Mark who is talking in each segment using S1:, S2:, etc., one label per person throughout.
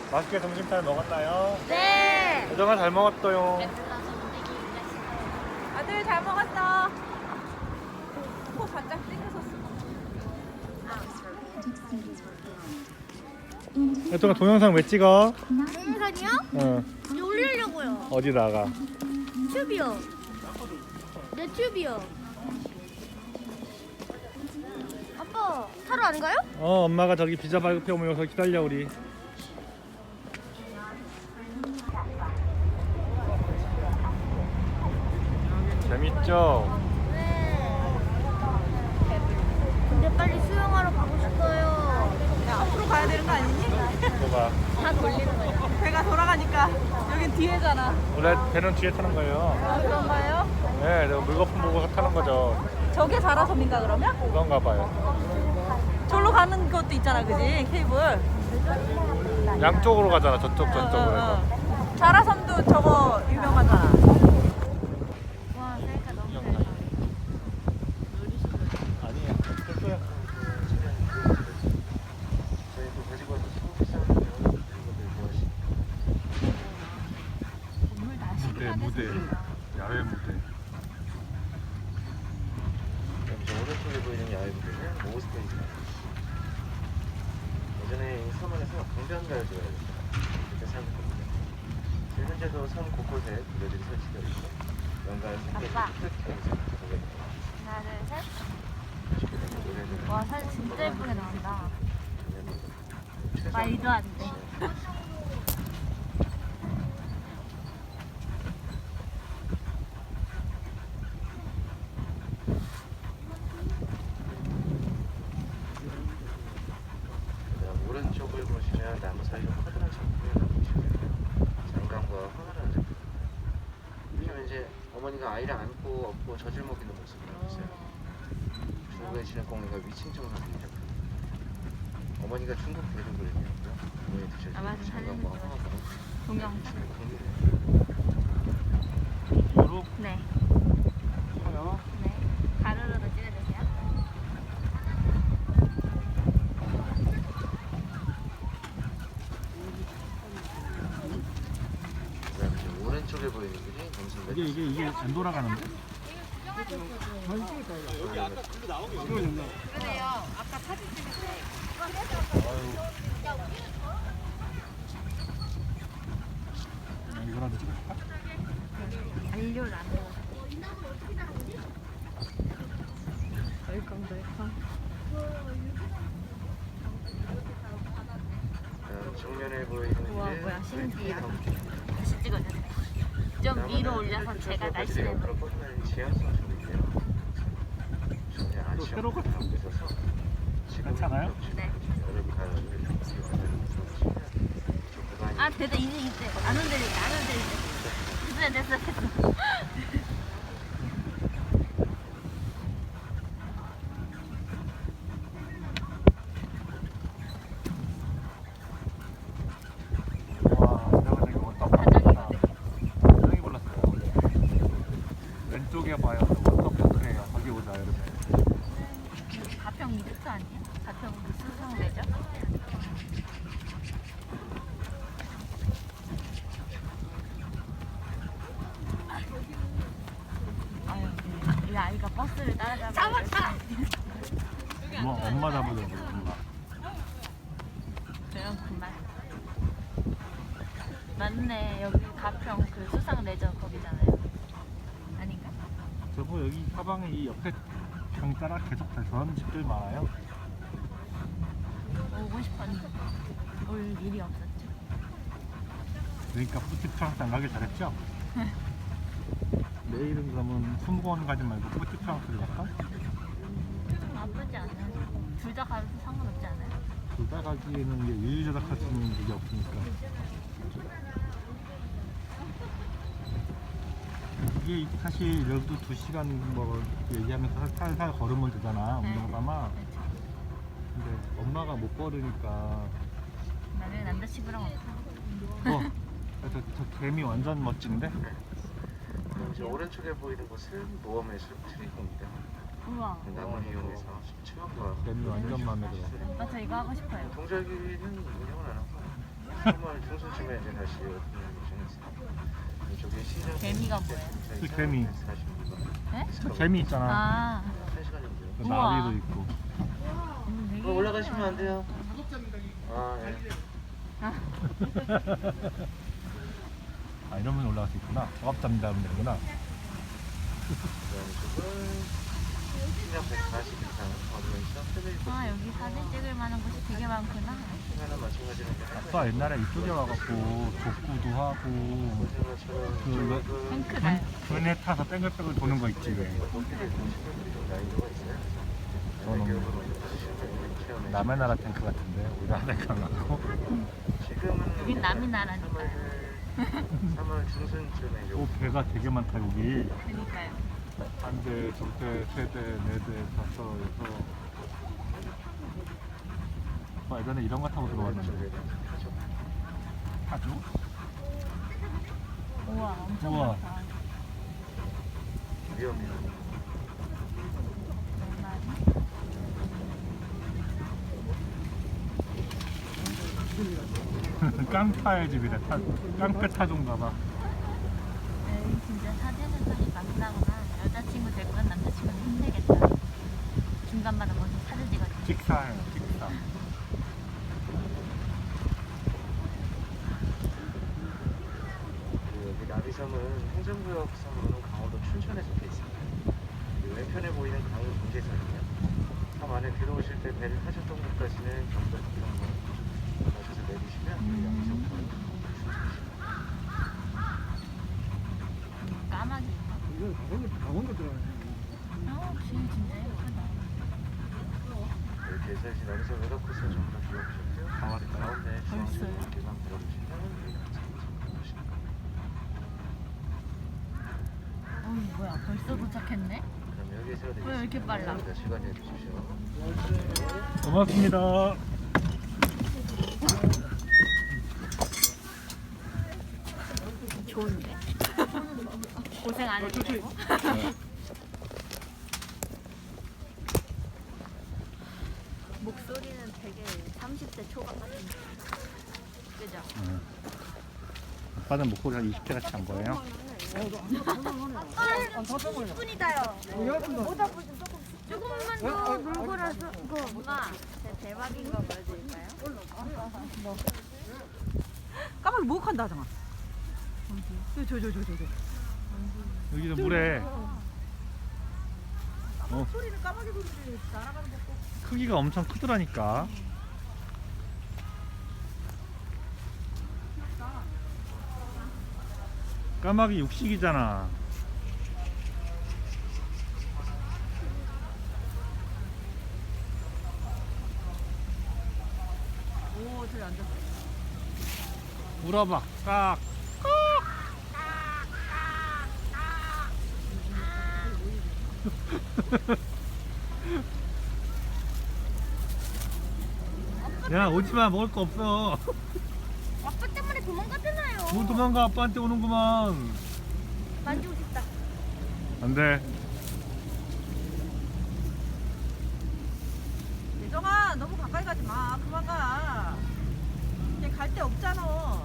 S1: 맛있게 점심 잘 먹었나요?
S2: 네.
S1: 여정아 잘 먹었어요.
S2: 아들 잘 먹었어. 코 살짝 땡겼었어.
S1: 여정아 동영상 왜 찍어?
S2: 동영상이요?
S1: 응.
S2: 올리려고요.
S1: 어디다가?
S2: 튜브요. 내 튜브요. 아빠 타러 안 가요?
S1: 엄마가 저기 비자 발급해 오면 여기서 기다려 우리. 재밌죠?
S2: 네. 근데 빨리 수영하러 가고 싶어요.
S3: 야, 앞으로 가야 되는 거 아니니?
S1: 뭐가?
S2: 다 돌리는 거죠.
S3: 배가 돌아가니까 여긴 뒤에잖아.
S1: 원래 배는 뒤에 타는 거예요.
S3: 아, 그런가요?
S1: 네, 내가 물거품 보고 타는 거죠.
S3: 저게 자라섬인가 그러면?
S1: 그런가 봐요.
S3: 저로 가는 것도 있잖아, 그지? 케이블.
S1: 양쪽으로 가잖아. 저쪽으로 해서.
S3: 자라섬도 저거 유명하잖아.
S2: 와, 셀카 너무 잘.
S1: 아니에요. 됐어요. 무대. 야외 무대.
S4: 저 오른쪽에 보이는 야외 무대는 오스테이지입니다. 예전에 이 섬안에서 강변가를 지어야겠다 이렇게 생각했거든요. 현재도 섬 곳곳에 무대들이 설치되어 있고 연간 생계를
S2: 아빠.
S4: 뜻하면서 보게 됩니다.
S2: 하나, 둘, 셋.
S4: 아쉽게 되면 노래는
S2: 와, 사진 진짜 예쁘게 나온다.
S4: 최소
S2: 말도 안 돼.
S4: 그다음 오른쪽을 보시면 나무 사이로 커다란 작품이 보이시면 장강과 황홀한 작품. 보시면 이제 어머니가 아이를 안고 업고 젖을 먹이는 모습을 보세요. 중국의 진흙공예가 위층적으로 그린 작품. 어머니가 중국 배를 그리고요. 어머니
S2: 아마
S4: 드셔주는
S2: 사진
S4: 장강과 황홀한
S2: 동영상.
S1: 요로
S2: 네.
S1: 커요.
S2: 네. 가로로도 찍어주세요.
S4: 그다음에 이제 오른쪽에 보이는 분이 검순
S1: 이게 안 돌아가는데?
S2: 그러네요. 아까 사진 찍을 때.
S1: 이거라도 찍을까?
S2: 잔류를 안 해요. 덜컹.
S4: 정면에 보이는
S2: 우와,
S4: 이제
S2: 뭐야, 신기해.
S4: 왼쪽에
S2: 다시 찍어주세요. 좀 위로 올려서 제가 날씨를.
S4: 앞으로 뻗어나는 지하철 쪽인데요. 전혀 안
S1: 또
S4: 시험
S1: 새로 같은
S4: 하고 있어서
S1: 괜찮아요?
S2: 네.
S4: 여러분 다
S2: 아, 됐다. 이제. 안 흔들리게. 됐어.
S1: 와, 내가 되게 워터파크다. 굉장히 몰랐어요. 왼쪽에 봐요. 워터파크예요. 거기 보자, 이러면.
S2: 가평 리조트 아니에요? 가평 수성 레저? 아유, 이 아이가 버스를 따라잡아. 잡았다!
S1: 엄마 잡으려고, 엄마.
S2: 그럼 그만. 맞네. 여기 가평 그 수상 레저 거기잖아요. 아닌가?
S1: 저거 여기 사방에 이 옆에 강 따라 계속 다 저런 집들 많아요.
S2: 오고 싶었는데 올 일이 없었죠.
S1: 그러니까 뿌티프랑스 안 가길 잘했죠? 내일은 그러면 수목원 가지 말고 뿌티프랑스를 갈까?
S2: 나쁘지 않아요. 둘 다 가도 상관없지 않아요?
S1: 둘 다 가기에는 이제 유유자적할 수 있는 그게 없으니까. 이게 사실 여기도 2시간 뭐 얘기하면서 살살 걸으면 되잖아,
S2: 네.
S1: 운동가마. 근데 엄마가 못 걸으니까.
S2: 나는 남자친구랑 없어.
S1: 저 개미 완전 멋진데?
S4: 이제 오른쪽에 보이는 곳은 모험의 숲 트리공입니다.
S2: 우와.
S4: 나무를 이용해서 체험과
S1: 개미 완전 마음에 들어.
S2: 저 이거 하고 싶어요.
S4: 동절기는 운영을 안 하고 3월 중순쯤에 이제 다시 오픈을 예정했어요. 이쪽에 시장
S2: 개미가 뭐예요?
S1: 그 개미.
S2: 네?
S1: 그 재미 있잖아.
S2: 아,
S4: 1시간 정도요.
S1: 그
S2: 우와.
S1: 나비도 있고.
S2: 되게
S4: 그거 올라가시면 안 돼요. 아, 예.
S1: 아 이러면 올라갈 수 있구나. 작업자입니다 하면 되는구나.
S4: 그다음에 쪽은 시장 140 이상 어드벤처 패밀리 코스.
S2: 아 여기 사진 찍을 만한 곳이 되게 많구나.
S4: 시간은 마찬가지로 이제
S1: 아빠 옛날에 이쪽에 와갖고 족구도 하고
S4: 오징어처럼
S1: 그
S2: 탱크가요.
S1: 그네 타서 땡글땡글 도는 거 있지 왜.
S4: 난이도가 있어요.
S1: 저는
S4: 교육을 먼저 받으시는 거 체험해.
S1: 남의 나라 탱크 같은데 우리나라 탱크 같고.
S4: 지금은
S2: 여긴 남이 나라니까.
S4: 3월 중순쯤에 이제
S1: 오 배가 되게 많다 여기.
S2: 그러니까요.
S1: 한 대, 두 대, 세 대, 네 대, 다섯, 여섯. 예전에 이런 거 타고 들어왔는데. 타죠?
S2: 우와 엄청
S1: 우와.
S2: 많다.
S4: 위험해요.
S1: 깡파의 집이래. 깡패 타종가 봐.
S2: 에이, 진짜 사진은 사실 막나구나. 여자친구 될 건 남자친구는 힘들겠다. 중간마다 먼저 사진 찍어줘.
S1: 직사예요, 직사.
S4: 여기 나비섬은 행정구역 섬으로는 강원도 춘천에 속해 있습니다. 이 왼편에 보이는 강은 경계선이에요. 섬 안에 들어오실 때 배를 타셨던 곳까지는 경도 부평로 가셔서 내리시면 여기 양지섬
S2: 까마귀인가?
S5: 강원도 들어가네.
S2: 길 진짜 예쁘다.
S4: 이렇게 해서 이제 나비섬 외곽 코스 전부 다 둘러보셨고요.
S1: 다 왔어요?
S4: 가운데 중앙쪽으로
S2: 벌써요?
S4: 이렇게만 들어보시면 여기 양지섬 보시는 거예요.
S2: 어이 뭐야 벌써 도착했네?
S4: 그럼 여기서
S2: 왜 이렇게 빨라?
S4: 감사합니다. 시간 내주십시오.
S1: 고맙습니다.
S2: 좋은데? 고생 안 해도 되고? 목소리는 되게 30대 초반 같은데 그죠?
S1: 아빠는 목소리 한 20대 같이 한 거예요?
S2: 조금만 더 물고라서 이거 엄마 제 대박인 거 보여드릴까요?
S3: 까마귀 목욕한다 하잖아. 저.
S1: 여기도 물에
S3: 소리는 까마귀 소리지. 날아가는 것도.
S1: 크기가 엄청 크더라니까. 까마귀 육식이잖아.
S3: 오, 저기 앉았어.
S1: 물어봐. 깍. 야 오지마 먹을 거 없어.
S2: 아빠 때문에 도망가잖아요.
S1: 뭐 도망가 아빠한테 오는구만.
S2: 만지고 싶다.
S1: 안돼.
S3: 예정아, 너무 가까이 가지 마. 그만 가. 이제 갈 데 없잖아.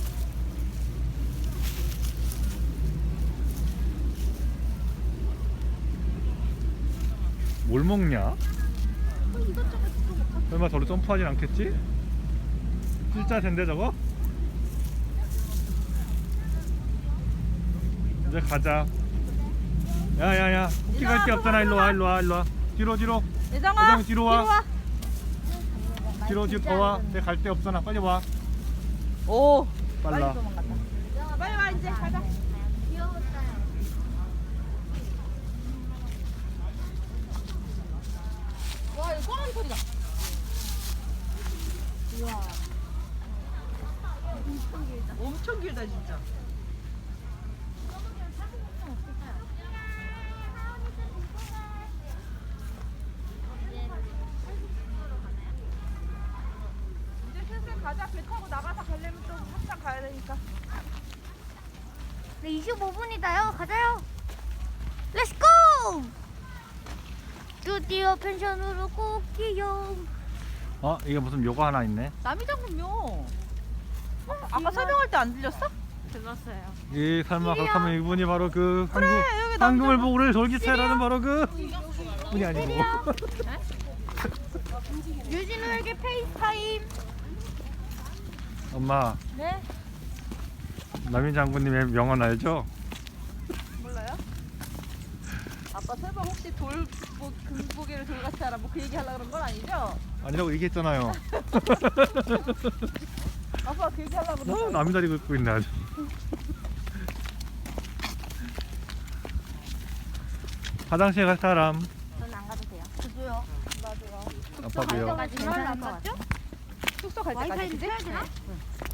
S1: 뭘 먹냐? 설마 저로 점프하진 않겠지? 진짜 된대 저거? 이제 가자. 야야야 호키 갈 데 없잖아. 일로와 뒤로
S3: 예정아,
S1: 예정 뒤로 와.
S2: 아,
S1: 뒤로 더 와. 내 갈 데 없잖아. 빨리 와.
S3: 오,
S1: 빨라.
S3: 빨리 와 이제 가자. 와, 이거 꼬마귀 소리다.
S2: 우와.
S3: 엄청 길다 진짜. 이제 슬슬 가자. 배 타고 나가서 가려면 좀 한참 가야 되니까.
S2: 네 25분이다요. 가자요. 렛츠고! 드디어 펜션으로 꼭기요.
S1: 어 이게 무슨 묘가 하나 있네.
S3: 남이 잡으면 아까 설명할 때 안 들렸어?
S2: 들었어요.
S1: 이 설마 그렇다면 이분이 바로 그
S3: 여기
S1: 황금을 보고를 돌기차라는 바로 그 분이 아니고.
S3: 유진우에게 페이스타임.
S1: 엄마,
S2: 네?
S1: 남인 장군님의 명언 알죠?
S3: 몰라요? 아빠 설마 혹시 금고개를 돌같이 하라 뭐 그 얘기 하려고 그런 건 아니죠?
S1: 아니라고 얘기했잖아요.
S3: 아빠 그 얘기 하려고 그런 거 아니죠?
S1: 남이 다리 긁고 있네 아주. 화장실 갈 사람.
S2: 저는 안 가도 돼요.
S3: 저도요. 나도요.
S1: 아빠도요.
S2: 가지 괜찮을 것 같아요.
S3: 숙소 갈 때까지 그지?
S2: 되나?